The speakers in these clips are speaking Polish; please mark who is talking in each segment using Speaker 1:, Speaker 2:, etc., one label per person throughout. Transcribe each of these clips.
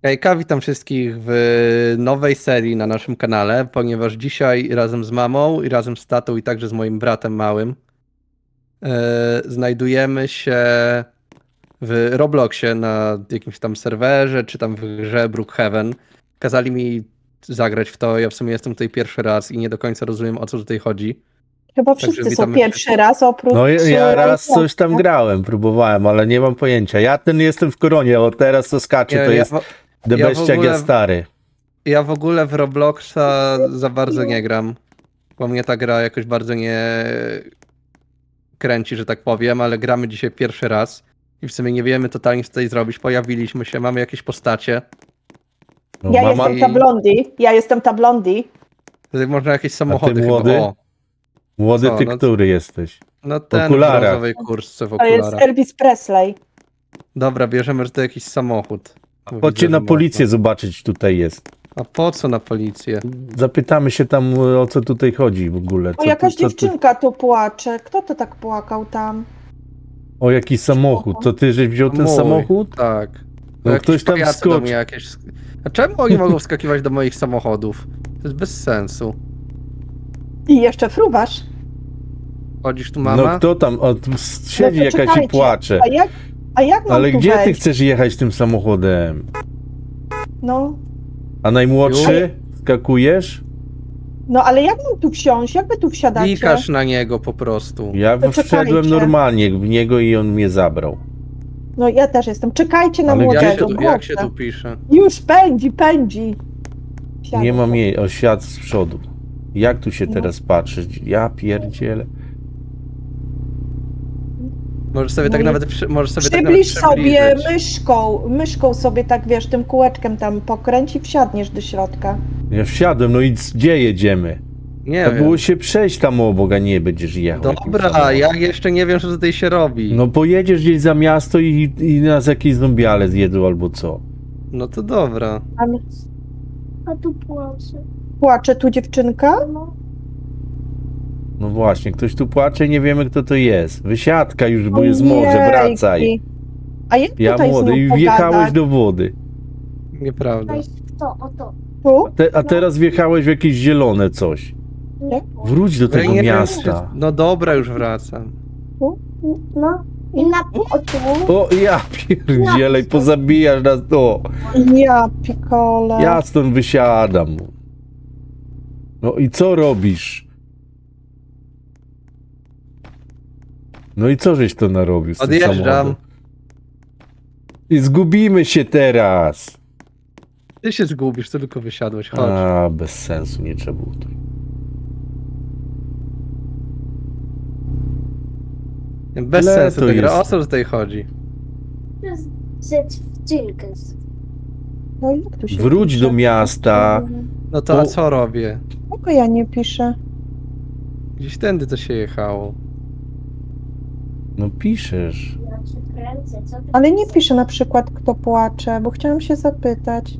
Speaker 1: Hejka, witam wszystkich w nowej serii na naszym kanale, ponieważ dzisiaj razem z mamą i razem z tatą i także z moim bratem małym znajdujemy się w Robloxie na jakimś tam serwerze, czy tam w grze Brookhaven. Kazali mi zagrać w to, ja w sumie jestem tutaj pierwszy raz i nie do końca rozumiem, o co tutaj chodzi.
Speaker 2: Chyba
Speaker 1: Także
Speaker 2: wszyscy są
Speaker 1: witamy
Speaker 2: pierwszy raz, oprócz...
Speaker 3: No ja raz
Speaker 2: Jacka.
Speaker 3: coś tam grałem, próbowałem, ale nie mam pojęcia. Ja ten jestem w koronie, o teraz co skacze, to jest The
Speaker 1: ja w
Speaker 3: Beściak
Speaker 1: ogóle-
Speaker 3: ja stary.
Speaker 1: Ja w ogóle w Robloxa za bardzo nie gram, bo mnie ta gra jakoś bardzo nie kręci, że tak powiem, ale gramy dzisiaj pierwszy raz i w sumie nie wiemy totalnie co tutaj zrobić. Pojawiliśmy się, mamy jakieś postacie.
Speaker 3: No,
Speaker 2: Ja
Speaker 3: mama,
Speaker 2: jestem ta blondi. Ja jestem ta blondi.
Speaker 1: Tutaj można jakieś samochody
Speaker 3: młody?
Speaker 1: chyba. O,
Speaker 3: młody
Speaker 1: co,
Speaker 3: ty,
Speaker 1: no-
Speaker 3: który jesteś?
Speaker 1: no ten w
Speaker 3: okularach.
Speaker 1: brązowej kurtce w
Speaker 2: To jest
Speaker 1: okularach.
Speaker 2: Elvis Presley.
Speaker 1: Dobra, bierzemy tutaj jakiś samochód. Bo
Speaker 3: Chodźcie
Speaker 1: widzę,
Speaker 3: na
Speaker 1: że
Speaker 3: policję zobaczyć, tutaj jest.
Speaker 1: można. A po co na policję?
Speaker 3: Zapytamy się tam, o co tutaj chodzi w ogóle.
Speaker 2: O, jakaś
Speaker 3: co tu-
Speaker 2: dziewczynka tu płacze. Kto to tak płakał tam?
Speaker 3: O, jaki samochód. To ty, żeś wziął ten
Speaker 1: Mój,
Speaker 3: samochód?
Speaker 1: Tak.
Speaker 3: No
Speaker 1: Jakieś
Speaker 3: ktoś tam
Speaker 1: pajace do
Speaker 3: skoczy.
Speaker 1: mnie jakieś... A czemu oni mogą wskakiwać do moich samochodów? To jest bez sensu.
Speaker 2: I jeszcze fruwasz.
Speaker 1: Chodzisz tu, mama?
Speaker 3: No kto tam? O, tu siedzi
Speaker 2: No to
Speaker 3: jakaś i
Speaker 2: czekajcie.
Speaker 3: płacze.
Speaker 2: A jak mam
Speaker 3: Ale
Speaker 2: tu
Speaker 3: gdzie ty
Speaker 2: wejść?
Speaker 3: chcesz jechać tym samochodem?
Speaker 2: No,
Speaker 3: A najmłodszy? Skakujesz?
Speaker 2: no ale jak mam tu wsiąść? Jak wy tu wsiadacie?
Speaker 1: Klikasz na niego po prostu.
Speaker 3: Ja
Speaker 2: To
Speaker 3: wszedłem
Speaker 2: czekajcie.
Speaker 3: normalnie w niego i on mnie zabrał.
Speaker 2: No ja też jestem. Czekajcie na
Speaker 3: Ale
Speaker 1: Jak się,
Speaker 2: młodego.
Speaker 1: tu, jak się
Speaker 2: proszę.
Speaker 1: tu pisze?
Speaker 2: Już pędzi, pędzi. Wsiadam.
Speaker 3: Nie mam jej, o świat z przodu. Jak tu się teraz patrzeć? Ja pierdzielę.
Speaker 1: Możesz sobie tak
Speaker 2: No i-
Speaker 1: nawet możesz sobie tak nawet
Speaker 2: Przybliż sobie
Speaker 1: przybliżyć.
Speaker 2: myszką sobie tak, wiesz, tym kółeczkiem tam pokręć i wsiadniesz do środka.
Speaker 3: Ja wsiadłem, no i gdzie jedziemy?
Speaker 1: Nie
Speaker 3: Trzeba
Speaker 1: wiem.
Speaker 3: było się przejść tam obok, a nie będziesz jechał. jakimś
Speaker 1: Dobra,
Speaker 3: samochodem.
Speaker 1: ja jeszcze nie wiem, co tutaj się robi.
Speaker 3: No pojedziesz gdzieś za miasto i nas jakieś zombiale zjedzą albo co.
Speaker 1: No to dobra.
Speaker 2: Ale
Speaker 4: A tu płacze.
Speaker 2: płacze tu dziewczynka?
Speaker 4: No,
Speaker 3: No właśnie, ktoś tu płacze i nie wiemy kto to jest. Wysiadka już, bo jest
Speaker 2: Ojejki.
Speaker 3: morze, wracaj.
Speaker 2: A jak
Speaker 3: Ja
Speaker 2: tutaj
Speaker 3: młody
Speaker 2: z
Speaker 3: i
Speaker 2: nią
Speaker 3: wjechałeś
Speaker 2: pogadać?
Speaker 3: do wody.
Speaker 1: Nieprawda.
Speaker 4: weź w to, o to.
Speaker 2: Tu?
Speaker 3: A teraz wjechałeś w jakieś zielone coś.
Speaker 4: Nie?
Speaker 3: Wróć do
Speaker 1: Ja
Speaker 3: tego
Speaker 1: nie wiem,
Speaker 3: miasta.
Speaker 1: czy... No dobra, już wracam.
Speaker 4: No, i na o tu.
Speaker 3: O, ja pierdzielej, pozabijasz nas to.
Speaker 2: Ja pikole.
Speaker 3: Ja stąd wysiadam. No i co robisz? No i co żeś to narobił z tym
Speaker 1: Odjeżdżam.
Speaker 3: samochodem? I zgubimy się teraz.
Speaker 1: Ty się zgubisz, ty tylko wysiadłeś, chodź.
Speaker 3: A, bez sensu, nie trzeba było to.
Speaker 1: Bez
Speaker 3: Ile
Speaker 1: sensu
Speaker 3: to
Speaker 1: ta gra.
Speaker 3: jest?
Speaker 1: O co tutaj chodzi?
Speaker 4: To jest dziewczynka.
Speaker 2: No i jak tu się
Speaker 3: Wróć
Speaker 2: pisze?
Speaker 3: do miasta.
Speaker 1: No to a
Speaker 3: O.
Speaker 1: co robię?
Speaker 2: Czego ja nie piszę?
Speaker 1: Gdzieś tędy to się jechało.
Speaker 3: No piszesz.
Speaker 4: Ja cię kręcę, co ty
Speaker 2: Ale nie piszę na przykład kto płacze, bo chciałam się zapytać.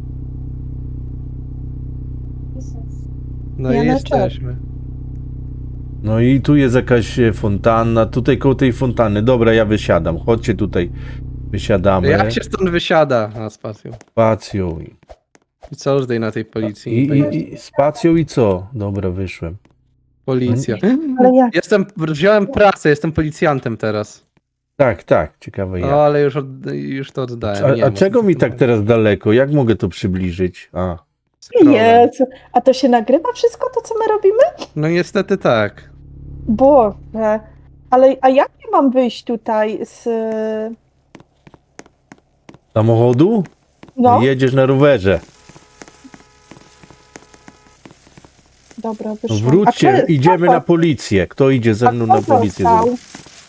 Speaker 4: piszesz?
Speaker 1: No
Speaker 2: Ja
Speaker 1: i
Speaker 2: na
Speaker 1: jesteśmy.
Speaker 3: No i tu jest jakaś fontanna, tutaj koło tej fontanny. Dobra, ja wysiadam. Chodźcie tutaj. Wysiadamy.
Speaker 1: Jak się stąd wysiada? A, spacją.
Speaker 3: Spacją.
Speaker 1: I co tutaj na tej policji?
Speaker 3: I spacją i co? Dobra, wyszłem.
Speaker 1: Policja.
Speaker 2: Ale jak?
Speaker 1: Wziąłem pracę, jestem policjantem teraz.
Speaker 3: Tak, ciekawe
Speaker 1: No,
Speaker 3: jak.
Speaker 1: ale już to oddałem.
Speaker 3: A czego mi tak teraz daleko? Jak mogę to przybliżyć? A,
Speaker 2: Jezu, a to się nagrywa wszystko to, co my robimy?
Speaker 1: No niestety tak.
Speaker 2: Boże, ale a jak ja mam wyjść tutaj z...
Speaker 3: samochodu?
Speaker 2: No,
Speaker 3: Jedziesz na rowerze.
Speaker 2: dobra,
Speaker 3: No
Speaker 2: wyszłam.
Speaker 3: wróćcie,
Speaker 2: A
Speaker 3: idziemy na policję. Kto idzie ze mną na policję?
Speaker 2: Został?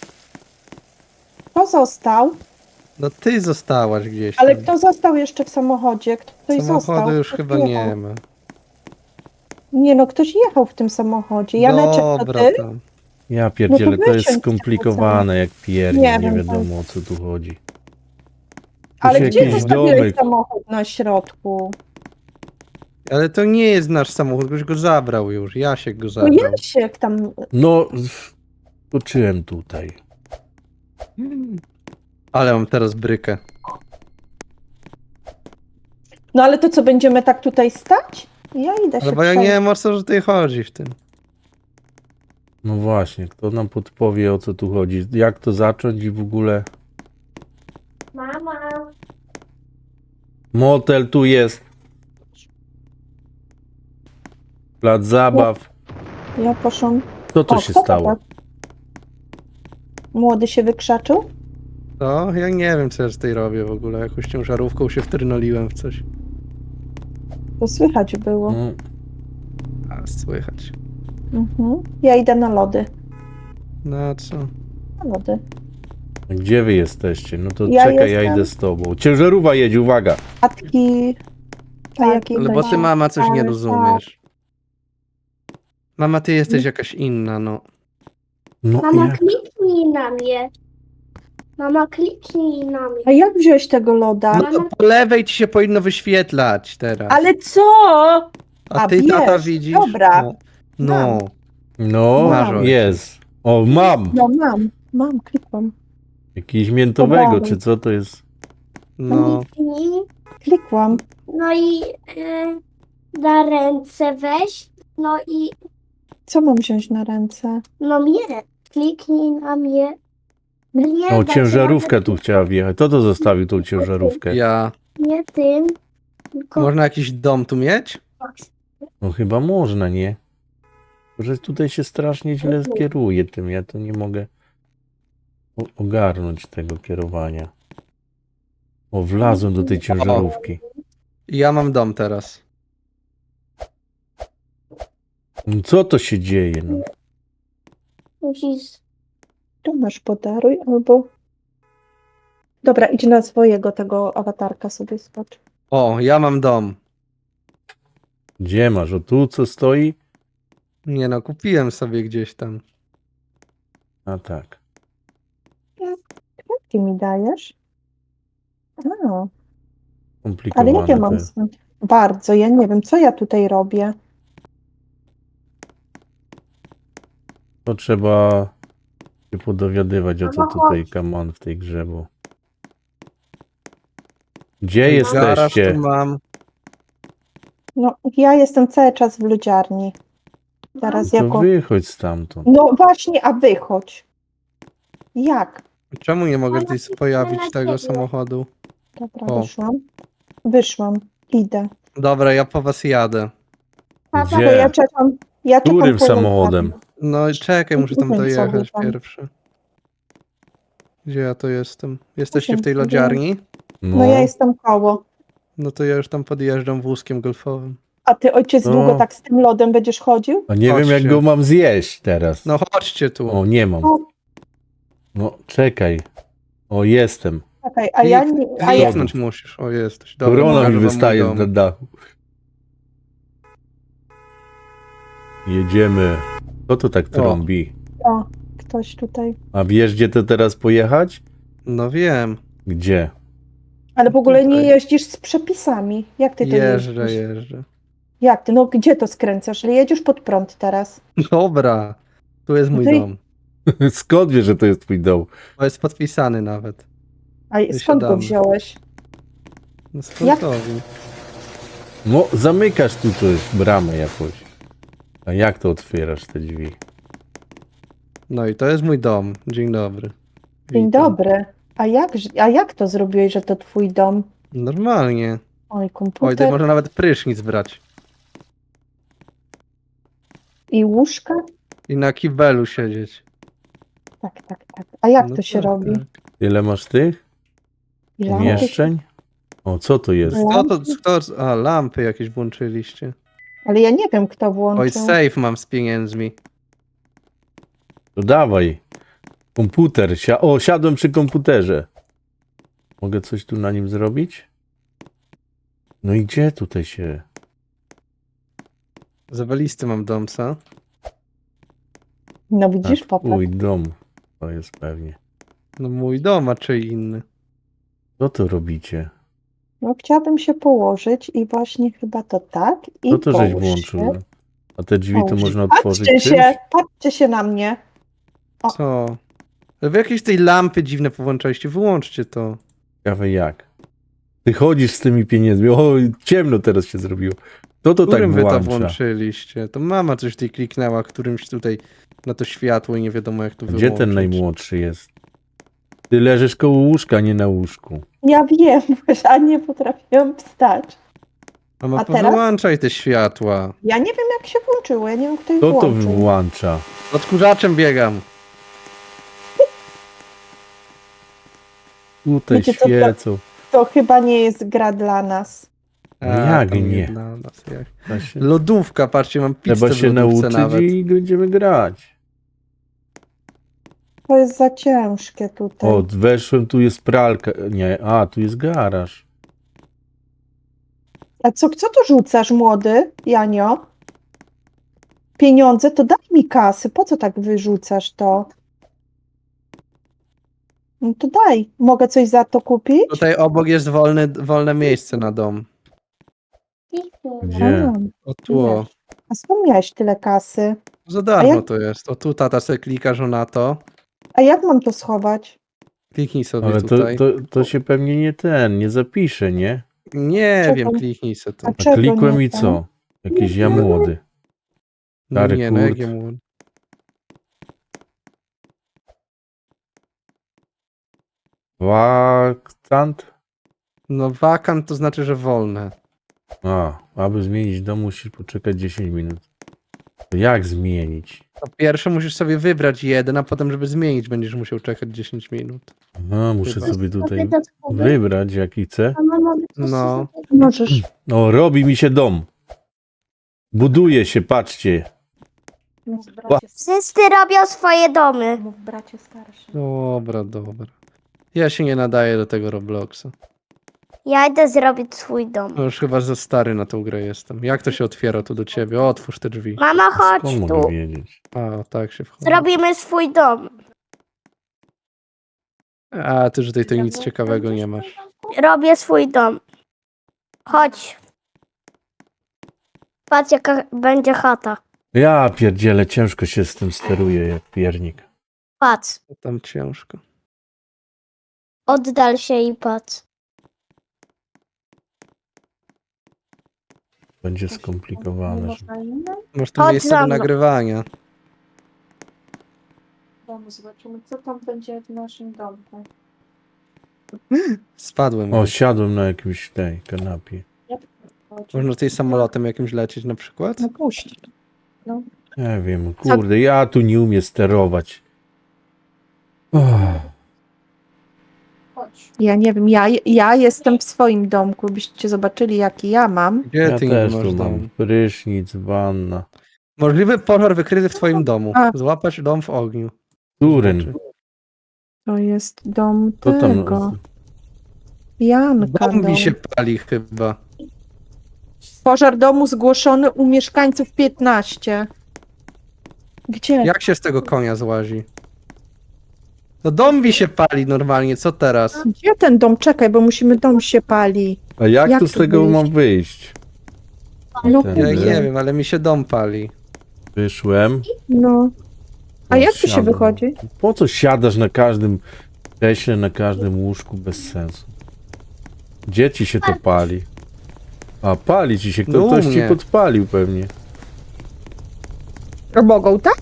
Speaker 2: Kto został?
Speaker 1: No ty zostałaś gdzieś
Speaker 2: Ale
Speaker 1: tam.
Speaker 2: kto został jeszcze w samochodzie? Ktoś został.
Speaker 1: Samochodu już
Speaker 2: Ktoś
Speaker 1: chyba
Speaker 2: jechał.
Speaker 1: nie ma.
Speaker 2: Nie no, ktoś jechał w tym samochodzie. Janeczek, to
Speaker 1: Dobra,
Speaker 2: ty?
Speaker 1: tam.
Speaker 3: Ja pierdzielę,
Speaker 2: No to
Speaker 3: to jest
Speaker 2: wysiądźcie
Speaker 3: skomplikowane jak pierdzie,
Speaker 2: Nie
Speaker 3: nie
Speaker 2: wiem,
Speaker 3: wiadomo o co tu chodzi. Tu
Speaker 2: Ale
Speaker 3: się
Speaker 2: gdzie
Speaker 3: jakiś
Speaker 2: zostawiłeś
Speaker 3: domek.
Speaker 2: samochód na środku?
Speaker 1: Ale to nie jest nasz samochód, ktoś go zabrał już. Jasiek go
Speaker 2: No
Speaker 1: zabrał.
Speaker 2: Jasiek tam...
Speaker 3: No, skoczyłem tutaj.
Speaker 1: Ale mam teraz brykę.
Speaker 2: No ale to co, będziemy tak tutaj stać? Ja idę się
Speaker 1: Ale bo ja nie
Speaker 2: przejść.
Speaker 1: wiem, o co tutaj chodzi w tym.
Speaker 3: No właśnie, kto nam podpowie, o co tu chodzi? Jak to zacząć i w ogóle...
Speaker 4: Mama.
Speaker 3: Motel tu jest. Plac zabaw.
Speaker 2: Ja poszłam...
Speaker 3: Co to
Speaker 2: O,
Speaker 3: się
Speaker 2: kto to
Speaker 3: stało?
Speaker 2: tak? Młody się wykrzaczył?
Speaker 1: To ja nie wiem, co ja tutaj robię w ogóle. Jakąś ciężarówką się wtrynoliłem w coś.
Speaker 2: To słychać było.
Speaker 3: No,
Speaker 1: A, słychać.
Speaker 2: Mhm. Ja idę na lody.
Speaker 1: No co?
Speaker 2: Na lody.
Speaker 3: gdzie wy jesteście? No to
Speaker 2: Ja
Speaker 3: czekaj, ja
Speaker 2: jestem-
Speaker 3: idę z tobą. Ciężarówka jedzie, uwaga.
Speaker 2: Patki... A
Speaker 4: Tak,
Speaker 2: jakiej
Speaker 1: Ale bo ty,
Speaker 2: będzie?
Speaker 1: mama, coś nie
Speaker 4: ale
Speaker 1: rozumiesz. Mama, ty jesteś jakaś inna, no.
Speaker 3: No
Speaker 4: Mama,
Speaker 3: jak?
Speaker 4: kliknij na mnie. Mama, kliknij na mnie.
Speaker 2: A jak wziąłeś tego loda?
Speaker 1: No to po lewej ci się powinno wyświetlać teraz.
Speaker 2: Ale co?
Speaker 1: A ty, tata,
Speaker 2: wiesz,
Speaker 1: widzisz?
Speaker 2: dobra.
Speaker 1: No. No.
Speaker 3: No,
Speaker 1: Masz ojciec.
Speaker 3: jest. O, mam!
Speaker 2: No mam, klikłam.
Speaker 3: Jakiś miętowego,
Speaker 2: Dobra.
Speaker 3: czy co to jest?
Speaker 1: No.
Speaker 4: Kliknij.
Speaker 2: Klikłam.
Speaker 4: No i na ręce weź. No i
Speaker 2: Co mam wziąć na ręce?
Speaker 4: no mnie. Kliknij na mnie. Mnie
Speaker 3: O,
Speaker 4: dać
Speaker 3: ciężarówka
Speaker 4: radę.
Speaker 3: tu chciała wjechać. Kto to zostawił tą ciężarówkę?
Speaker 1: Ja.
Speaker 4: Nie tym. Tylko
Speaker 1: Można jakiś dom tu mieć?
Speaker 3: No chyba można, nie? Że tutaj się strasznie źle kieruje tym. Ja to nie mogę ogarnąć tego kierowania. O, wlazłem do tej ciężarówki.
Speaker 1: Ja mam dom teraz.
Speaker 3: No, co to się dzieje? No,
Speaker 4: musisz.
Speaker 2: Tu masz podaruj albo... Dobra, idź na swojego tego awatarka sobie skocz.
Speaker 1: O, ja mam dom.
Speaker 3: gdzie masz? O, tu co stoi?
Speaker 1: Nie no, kupiłem sobie gdzieś tam.
Speaker 3: A tak.
Speaker 2: Ty mi dajesz? A, ale
Speaker 3: Komplikowane
Speaker 2: jakie mam...
Speaker 3: to.
Speaker 2: Bardzo, ja nie wiem, co ja tutaj robię.
Speaker 3: To trzeba się podowiadywać, o co tutaj kaman w tej grze, bo... Gdzie
Speaker 1: Garaż tu
Speaker 3: jesteście?
Speaker 1: mam.
Speaker 2: No, ja jestem cały czas w ludziarni. Teraz
Speaker 3: To
Speaker 2: jako...
Speaker 3: wychodź stamtąd.
Speaker 2: No właśnie, a wychodź. Jak?
Speaker 1: Czemu nie mogę tutaj
Speaker 4: Mama,
Speaker 1: pojawić
Speaker 4: na
Speaker 1: tego
Speaker 4: ciebie.
Speaker 1: samochodu?
Speaker 2: Dobra,
Speaker 1: O.
Speaker 2: wyszłam. Wyszłam. Idę.
Speaker 1: Dobra, ja po was jadę.
Speaker 4: Tata,
Speaker 2: To ja
Speaker 3: Gdzie?
Speaker 2: czekam. Ja czekam
Speaker 3: Którym
Speaker 2: po
Speaker 3: samochodem?
Speaker 2: ludziarni.
Speaker 1: No i czekaj, muszę tam
Speaker 2: Usiądź sobie
Speaker 1: dojechać
Speaker 2: tam.
Speaker 1: pierwszy. Gdzie ja to jestem? Jesteście w
Speaker 2: Usiądź
Speaker 1: tej
Speaker 2: sobie.
Speaker 1: lodziarni?
Speaker 2: No ja jestem koło.
Speaker 1: No to ja już tam podjeżdżam wózkiem golfowym.
Speaker 2: A ty, ojciec,
Speaker 3: No.
Speaker 2: długo tak z tym lodem będziesz chodził?
Speaker 3: A nie wiem, jak
Speaker 1: Chodźcie.
Speaker 3: go mam zjeść teraz.
Speaker 1: No chodźcie tu.
Speaker 3: O, nie mam. No, czekaj. O, jestem.
Speaker 2: Czekaj, a ja nie... A ja...
Speaker 1: Kliknąć musisz. O, jesteś. Dobra,
Speaker 3: Korona
Speaker 1: pokażę
Speaker 3: mi
Speaker 1: wam mój
Speaker 3: wystaje
Speaker 1: dom.
Speaker 3: z dachu. Jedziemy. Kto to tak trąbi?
Speaker 2: O, ktoś tutaj.
Speaker 3: A wiesz, gdzie to teraz pojechać?
Speaker 1: No wiem.
Speaker 3: Gdzie?
Speaker 2: Ale w ogóle nie
Speaker 1: Tutaj.
Speaker 2: jeździsz z przepisami. Jak ty to
Speaker 1: Jeżdżę,
Speaker 2: jeździsz?
Speaker 1: jeżdżę.
Speaker 2: Jak ty? No gdzie to skręcasz? Ale jedziesz pod prąd teraz.
Speaker 1: Dobra. Tu jest mój
Speaker 2: No to i-
Speaker 1: dom.
Speaker 3: Skąd wiesz, że to jest twój dom?
Speaker 1: To jest podpisany nawet.
Speaker 2: A skąd go
Speaker 1: Wysiadamy.
Speaker 2: wziąłeś?
Speaker 1: No sportowi.
Speaker 3: No, zamykasz tu coś, bramę jakąś. A jak to otwierasz te drzwi?
Speaker 1: No i to jest mój dom. Dzień dobry.
Speaker 2: Dzień
Speaker 1: Witam.
Speaker 2: dobry. A jak to zrobiłeś, że to twój dom?
Speaker 1: Normalnie.
Speaker 2: Oj,
Speaker 1: Oj,
Speaker 2: komputer
Speaker 1: tutaj można nawet prysznic brać.
Speaker 2: i łóżka?
Speaker 1: I na kibelu siedzieć.
Speaker 2: Tak, tak, tak. A jak
Speaker 1: No
Speaker 2: to się
Speaker 1: tak,
Speaker 2: robi?
Speaker 1: tak.
Speaker 3: Ile masz tych
Speaker 2: I lampy?
Speaker 3: pomieszczeń? O, co to jest?
Speaker 1: A, lampy jakieś włączyliście.
Speaker 2: Ale ja nie wiem, kto
Speaker 1: Oj,
Speaker 2: włączył.
Speaker 1: safe mam z pieniędzmi.
Speaker 3: To dawaj. Komputer. Siadłem przy komputerze. Mogę coś tu na nim zrobić? No i gdzie tutaj się...
Speaker 1: Zawalisty mam dom, co?
Speaker 2: No widzisz,
Speaker 3: Tak,
Speaker 2: popatrz.
Speaker 3: twój dom. To jest pewnie.
Speaker 1: No mój dom, a czy inny.
Speaker 3: Co to robicie?
Speaker 2: No chciałabym się położyć i właśnie chyba to tak. I
Speaker 3: Co to żeś
Speaker 2: połóż
Speaker 3: włączył?
Speaker 2: się.
Speaker 3: A te drzwi to
Speaker 2: Połóż
Speaker 3: można
Speaker 2: się.
Speaker 3: otworzyć
Speaker 2: Patrzcie
Speaker 3: czymś?
Speaker 2: się, patrzcie się na mnie. O.
Speaker 1: Co? Ale wy jakieś tej lampy dziwne powłączaliście, wyłączcie to.
Speaker 3: Ciekawe jak. Ty chodzisz z tymi pieniędzmi. O, ciemno teraz się zrobiło. Kto to tak
Speaker 1: Którym wy to
Speaker 3: włącza?
Speaker 1: włączyliście? To mama coś tutaj kliknęła, którymś tutaj na to światło i nie wiadomo jak to
Speaker 3: Gdzie
Speaker 1: wyłączyć.
Speaker 3: ten najmłodszy jest? Ty leżysz koło łóżka, nie na łóżku.
Speaker 2: Ja wiem, a nie potrafiłam wstać.
Speaker 1: Mama,
Speaker 2: A teraz?
Speaker 1: wyłączaj te światła.
Speaker 2: Ja nie wiem, jak się włączyło. Ja nie wiem, kto je
Speaker 3: Kto to
Speaker 2: włączył.
Speaker 3: włącza?
Speaker 1: Odkurzaczem biegam.
Speaker 3: Tutaj
Speaker 2: Wiecie co, to-
Speaker 3: świecą.
Speaker 2: To chyba nie jest gra dla nas.
Speaker 3: No jak
Speaker 1: tam
Speaker 3: nie?
Speaker 1: dla nas, jak.
Speaker 3: Trzeba się,
Speaker 1: Lodówka, patrzcie, mam pizzę
Speaker 3: trzeba
Speaker 1: w
Speaker 3: się
Speaker 1: lodówce
Speaker 3: nauczyć
Speaker 1: nawet.
Speaker 3: i będziemy grać.
Speaker 2: To jest za ciężkie tutaj.
Speaker 3: O, weszłem, tu jest pralka. Nie, tu jest garaż.
Speaker 2: A co to rzucasz, młody Janio? Pieniądze? To daj mi kasy. Po co tak wyrzucasz to? No to daj. Mogę coś za to kupić?
Speaker 1: Tutaj obok jest wolne miejsce na dom.
Speaker 3: Gdzie?
Speaker 1: O tło.
Speaker 2: A skąd miałeś tyle kasy?
Speaker 1: Za darmo
Speaker 2: jak-
Speaker 1: to jest. O tu tata sobie klikasz na to.
Speaker 2: A jak mam to schować?
Speaker 1: Kliknij sobie
Speaker 3: Ale
Speaker 1: tutaj.
Speaker 3: to się pewnie nie zapisze, nie?
Speaker 1: Nie
Speaker 2: Czekam.
Speaker 1: wiem, kliknij sobie to.
Speaker 2: A
Speaker 3: A
Speaker 2: czego
Speaker 3: klikłem
Speaker 2: nie
Speaker 3: i
Speaker 2: tam?
Speaker 3: co? Jakiś ja młody.
Speaker 1: No
Speaker 3: stary
Speaker 1: nie, no
Speaker 3: kurt.
Speaker 1: jak ja mówię.
Speaker 3: Waktant?
Speaker 1: No wakant to znaczy, że wolne.
Speaker 3: Aby zmienić dom, musisz poczekać 10 minut. To jak zmienić?
Speaker 1: Po pierwsze musisz sobie wybrać jeden, a potem, żeby zmienić, będziesz musiał czekać 10 minut.
Speaker 3: Muszę
Speaker 1: Chyba.
Speaker 3: sobie tutaj wybrać, jaki chcę.
Speaker 1: No.
Speaker 2: Możesz.
Speaker 3: O, robi mi się dom. Buduje się, patrzcie.
Speaker 2: Mów bracie,
Speaker 4: Wszyscy robią swoje domy.
Speaker 2: mów bracie starszy.
Speaker 1: Dobra, dobra. Ja się nie nadaję do tego Robloxa.
Speaker 4: Ja idę zrobić swój dom.
Speaker 1: No już chyba za stary na tą grę jestem. Jak to się otwiera tu do ciebie? Otwórz te drzwi.
Speaker 4: Mama, chodź
Speaker 3: Skąd
Speaker 4: tu.
Speaker 3: mogę wiedzieć?
Speaker 1: A, tak się wchodzi.
Speaker 4: Zrobimy swój dom.
Speaker 1: A, ty, że tutaj to nic ciekawego nie masz.
Speaker 4: Robię swój dom. Chodź. Patrz, jaka będzie chata.
Speaker 3: Ja pierdzielę, ciężko się z tym steruje jak piernik.
Speaker 4: Patrz.
Speaker 1: To tam ciężko.
Speaker 4: Oddal się i patrz.
Speaker 3: Będzie skomplikowane.
Speaker 1: Masz tu
Speaker 4: Chodź
Speaker 1: miejsce
Speaker 4: za
Speaker 1: do
Speaker 4: mną.
Speaker 1: nagrywania.
Speaker 2: Zobaczymy, co tam będzie w naszym domku.
Speaker 1: Spadłem.
Speaker 3: O, siadłem na jakimś tej kanapie.
Speaker 1: Można tutaj samolotem jakimś lecieć na przykład?
Speaker 2: No puść.
Speaker 3: Nie wiem, kurde, ja tu nie umiem sterować.
Speaker 2: Ja nie wiem, ja jestem w swoim domku. Byście zobaczyli, jaki ja mam.
Speaker 1: Gdzie
Speaker 3: Ja
Speaker 1: ty nie
Speaker 3: też
Speaker 1: masz
Speaker 3: tu
Speaker 1: domu?
Speaker 3: mam prysznic, wanna.
Speaker 1: Możliwy pożar wykryty w twoim domu.
Speaker 2: A.
Speaker 1: Złapać dom w ogniu.
Speaker 3: Turyn.
Speaker 2: To jest dom
Speaker 3: Co tam?
Speaker 2: tego. Janka.
Speaker 1: Dom
Speaker 2: dom.
Speaker 1: mi się pali chyba.
Speaker 2: Pożar domu zgłoszony u mieszkańców 15. Gdzie?
Speaker 1: Jak się z tego konia złazi? No dom mi się pali normalnie, co teraz?
Speaker 2: Gdzie ten dom? Czekaj, bo musimy, dom się pali.
Speaker 3: A jak
Speaker 2: Jak
Speaker 3: tu z
Speaker 2: tu
Speaker 3: tego
Speaker 2: wyjść?
Speaker 3: mam wyjść?
Speaker 2: No,
Speaker 3: Ten-
Speaker 1: Ja
Speaker 3: Dobrze.
Speaker 1: nie wiem, ale mi się dom pali.
Speaker 3: Wyszłem.
Speaker 2: no. A
Speaker 3: O,
Speaker 2: jak tu się
Speaker 3: siadam.
Speaker 2: wychodzi?
Speaker 3: Po co siadasz na każdym krześle, na każdym łóżku bez sensu? Gdzie ci się to pali? A pali ci się,
Speaker 1: No u
Speaker 3: ktoś ci
Speaker 1: mnie.
Speaker 3: podpalił pewnie.
Speaker 2: Mogą, tak?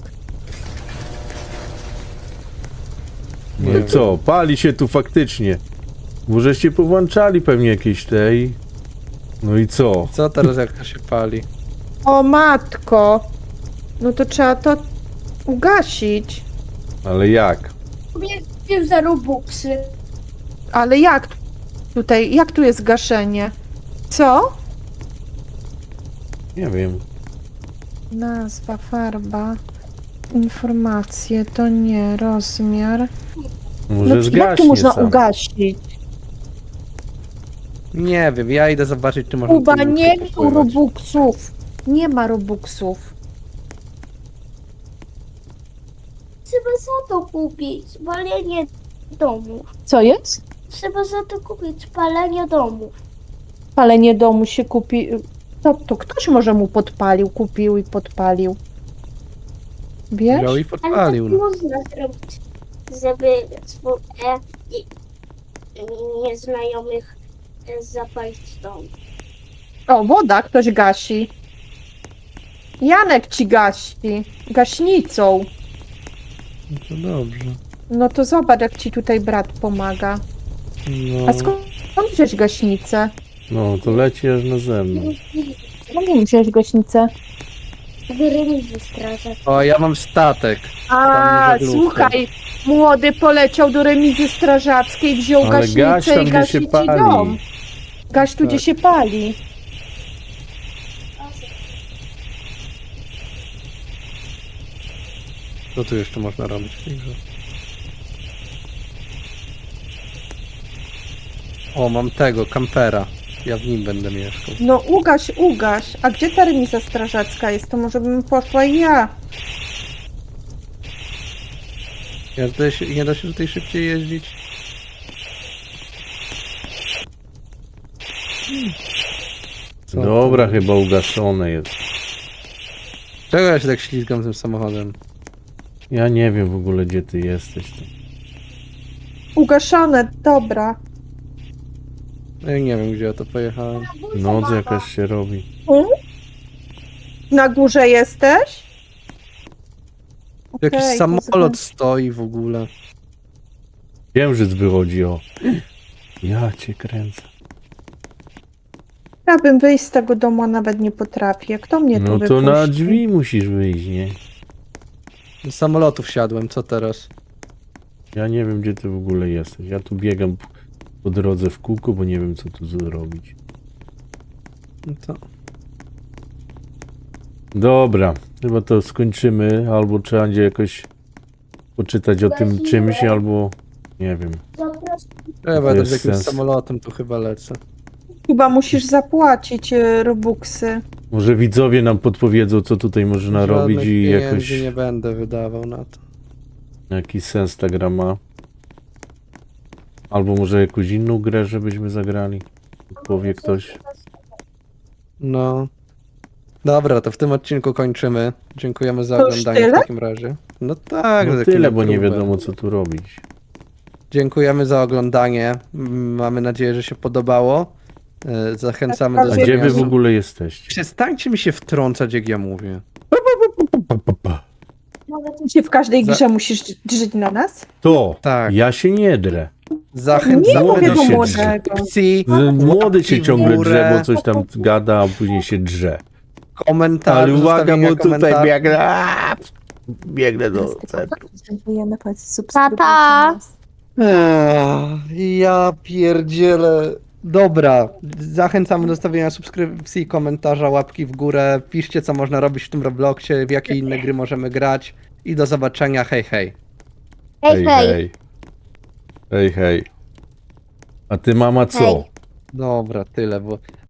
Speaker 3: No
Speaker 1: Nie
Speaker 3: i co? Pali się tu faktycznie. Możeście powłączali pewnie jakieś tej. No i co?
Speaker 1: Co teraz jak to się pali?
Speaker 2: O matko. No to trzeba to ugasić.
Speaker 3: Ale jak?
Speaker 4: Wiem za Robuxy.
Speaker 2: Ale jak tutaj, jak tu jest gaszenie? Co?
Speaker 3: Nie wiem.
Speaker 2: Nazwa, farba, informacje, to nie, rozmiar.
Speaker 3: Może
Speaker 2: No, jak
Speaker 3: zgaśnie
Speaker 2: tu można
Speaker 3: sam.
Speaker 2: ugasić?
Speaker 1: Nie wiem, ja idę zobaczyć, czy można
Speaker 2: Kuba,
Speaker 1: tu
Speaker 2: nie ma
Speaker 1: popływać.
Speaker 2: robuxów. Nie ma robuxów.
Speaker 4: Trzeba za to kupić palenie domów.
Speaker 2: Co jest?
Speaker 4: Trzeba za to kupić palenie domów.
Speaker 2: Palenie domu się kupi. To ktoś może mu podpalił, kupił i podpalił. Wiesz?
Speaker 1: Wziął i
Speaker 4: Ale
Speaker 1: podpalił.
Speaker 4: tak
Speaker 1: No.
Speaker 4: można zrobić, żeby swoje nieznajomych zapalić stąd.
Speaker 2: O, woda ktoś gasi. Janek ci gasi. Gaśnicą.
Speaker 1: No to dobrze.
Speaker 2: No to zobacz, jak ci tutaj brat pomaga.
Speaker 1: No.
Speaker 2: A skąd wziąłeś gaśnicę?
Speaker 3: No, to leci aż na zewnątrz.
Speaker 2: Skąd wziąłeś gaśnicę?
Speaker 4: Z remizy strażackiej.
Speaker 1: O, ja mam statek.
Speaker 2: A,
Speaker 1: Tam żaglówką.
Speaker 2: słuchaj, młody poleciał do remizy strażackiej, wziął
Speaker 3: Ale
Speaker 2: gaśnicę
Speaker 3: gaś tam,
Speaker 2: i
Speaker 3: gdzie
Speaker 2: gasi
Speaker 3: się
Speaker 2: ci
Speaker 3: pali.
Speaker 2: dom. Gaś tu,
Speaker 1: Tak.
Speaker 2: gdzie się pali.
Speaker 1: Co tu jeszcze można robić w tej grze? O, mam tego, kampera. Ja w nim będę mieszkał.
Speaker 2: No ugaś. A gdzie ta remiza strażacka jest? To może bym poszła i ja.
Speaker 1: Ja tutaj nie da się tutaj szybciej jeździć? Co
Speaker 3: Dobra,
Speaker 1: to?
Speaker 3: chyba ugaszone jest.
Speaker 1: Czego ja się tak ślizgam tym samochodem?
Speaker 3: Ja nie wiem w ogóle, gdzie ty jesteś.
Speaker 2: Ugaszone, dobra.
Speaker 1: No ja nie wiem, gdzie ja to pojechałem.
Speaker 3: Noc jakaś się robi.
Speaker 2: Na górze jesteś?
Speaker 1: Jakiś
Speaker 2: Okej, to
Speaker 1: samolot stoi w ogóle.
Speaker 3: Księżyc wychodzi, o. Ja cię kręcę.
Speaker 2: Ja bym wyjść z tego domu, a nawet nie potrafię. Kto mnie tu
Speaker 3: No to
Speaker 2: wypuści?
Speaker 3: na drzwi musisz wyjść, nie?
Speaker 1: Do samolotu wsiadłem, co teraz?
Speaker 3: Ja nie wiem, gdzie ty w ogóle jesteś. Ja tu biegam po drodze w kółko, bo nie wiem, co tu zrobić.
Speaker 1: No to...
Speaker 3: Dobra, chyba to skończymy, albo trzeba będzie jakoś poczytać o tym czymś, albo nie wiem.
Speaker 4: Zapraszam.
Speaker 1: Ja będę
Speaker 3: jest
Speaker 1: z jakimś
Speaker 3: sens.
Speaker 1: samolotem, tu chyba lecę.
Speaker 2: Chyba musisz zapłacić robuxy.
Speaker 3: Może widzowie nam podpowiedzą, co tutaj można
Speaker 1: Żadnych
Speaker 3: robić i
Speaker 1: pieniędzy
Speaker 3: jakoś
Speaker 1: nie będę wydawał na to.
Speaker 3: jaki sens ta gra ma. Albo może jakąś inną grę, żebyśmy zagrali. Powie ktoś.
Speaker 1: No. Dobra, to w tym odcinku kończymy. Dziękujemy za
Speaker 2: To już
Speaker 1: oglądanie w
Speaker 2: tyle?
Speaker 1: takim razie. No tak,
Speaker 3: No
Speaker 1: takie
Speaker 3: tyle,
Speaker 1: na
Speaker 3: bo nie
Speaker 1: próbę.
Speaker 3: wiadomo, co tu robić.
Speaker 1: Dziękujemy za oglądanie. Mamy nadzieję, że się podobało. Zachęcamy do
Speaker 3: A
Speaker 2: Tak,
Speaker 3: gdzie wy w
Speaker 1: zostawienia.
Speaker 3: ogóle jesteście?
Speaker 1: Przestańcie mi się wtrącać, jak ja mówię.
Speaker 4: Mogę
Speaker 2: Ty się w każdej
Speaker 1: Za-
Speaker 2: grze musisz drzeć na nas?
Speaker 3: To!
Speaker 1: Tak.
Speaker 3: Ja się nie drę.
Speaker 2: Nie
Speaker 1: Zachęcamy
Speaker 2: mówię do
Speaker 3: się
Speaker 2: młodego.
Speaker 1: subskrypcji,
Speaker 3: Młody się
Speaker 1: łapki w
Speaker 3: ciągle
Speaker 1: górę,
Speaker 3: drze, bo coś tam gada, a później się drze.
Speaker 1: komentarzy,
Speaker 3: Ale uwaga,
Speaker 1: zostawienia
Speaker 3: bo tutaj
Speaker 1: komentarzy.
Speaker 3: biegnę. Biegnę do centrum.
Speaker 4: Tata!
Speaker 1: Ja pierdzielę. Dobra, zachęcamy do stawienia subskrypcji, komentarza, łapki w górę. Piszcie, co można robić w tym Robloxie, w jakie inne gry możemy grać. I do zobaczenia. Hej, hej.
Speaker 4: Hej, hej.
Speaker 3: Hej, hej. A ty mama co?
Speaker 4: Hej.
Speaker 1: Dobra, tyle, bo